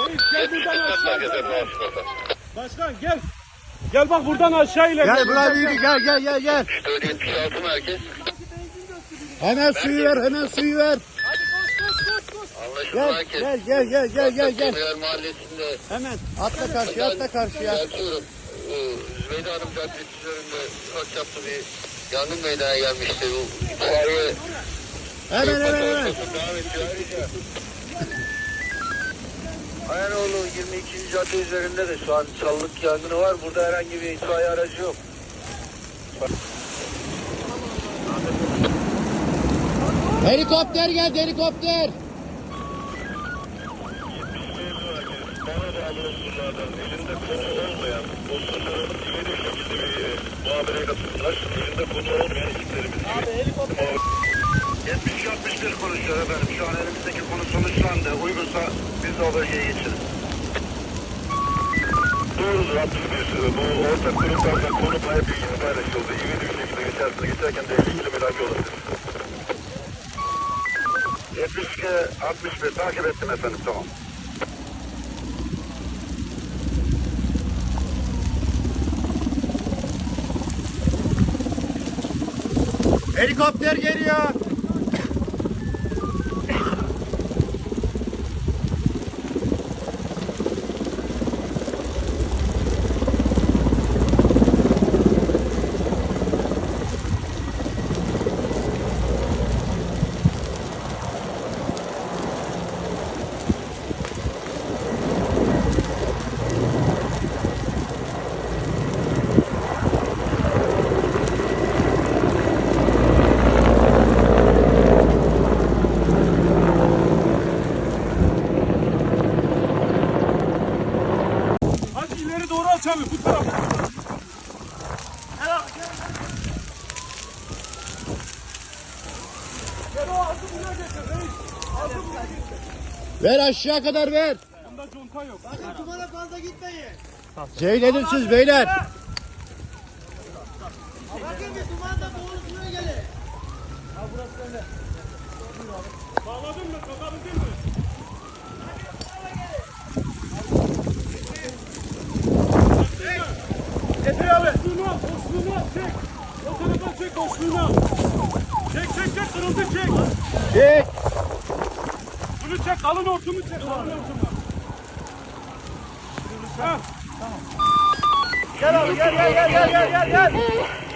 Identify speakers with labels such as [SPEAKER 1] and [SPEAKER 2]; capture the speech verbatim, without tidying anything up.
[SPEAKER 1] Gel buradan aşağı. Başkan gel. Gel bak buradan aşağı iler.
[SPEAKER 2] Gel buraya yürü, gel gel gel gel.
[SPEAKER 3] yetmiş altı merkez.
[SPEAKER 2] Hemen suyu ver, hemen suyu ver.
[SPEAKER 3] Anlaşıldı
[SPEAKER 2] Gel
[SPEAKER 3] merkez.
[SPEAKER 2] gel gel gel gel gel gel.
[SPEAKER 3] Kıyar mahallesinde.
[SPEAKER 2] Hemen atla karşıya, atla karşıya.
[SPEAKER 3] Düzeltiyorum. Zübeyde Hanım Caddesi üzerinde ufak çaplı bir yangın meydana gelmişti. Bu itfaiye
[SPEAKER 2] Hemen hemen hemen.
[SPEAKER 3] devam ediyor ayrıca. Ayanoğlu yirmi ikinci cadde üzerinde de şu an çalılık yangını var. Burada herhangi bir itfaiye aracı yok.
[SPEAKER 2] Helikopter geldi, helikopter.
[SPEAKER 3] Bana da ambulanslardan elinde konu olmayan dostlarımız güvenilir şekilde bir muhabereye katıldılar. Elinde konu olmayan ekiplerimiz gibi. yetmiş altmış bir konuşuyor efendim. Şu an elimizdeki konu sonuçlandı. Uygunsa biz de o bölgeye geçeriz. Doğrudur altmış bir. Bu ortak kurumlardan konu bayağı bilgisi paylaşıldı. İvedi bir şekilde geçersiniz. Geçerken de ilgili mülaki olabilir. yetmiş iki altmış bir takip ettim efendim, tamam.
[SPEAKER 2] Helikopter geliyor.
[SPEAKER 1] Hadi ileri doğru aç abi bu tarafa. Gel abi gel. Gel o ağzı buraya getir reis. Ağzı buraya getir.
[SPEAKER 2] Ver aşağı kadar ver.
[SPEAKER 1] Bunda conta yok.
[SPEAKER 4] Bakın dumana fazla gitmeyin.
[SPEAKER 2] Ceyledim siz beyler.
[SPEAKER 4] Bakın bir dumanda boğuluşuna gelin.
[SPEAKER 1] Bağladın mı? Kakabildin mi? Getir abi. Boşluğunu al, boşluğunu al, çek. O tarafa çek, boşluğunu al. Çek, çek, çek, kırıldı, çek.
[SPEAKER 2] Çek.
[SPEAKER 1] Bunu çek, kalın hortumu çek, kalın hortumu. Ha.
[SPEAKER 2] Gel abi gel gel gel gel gel gel.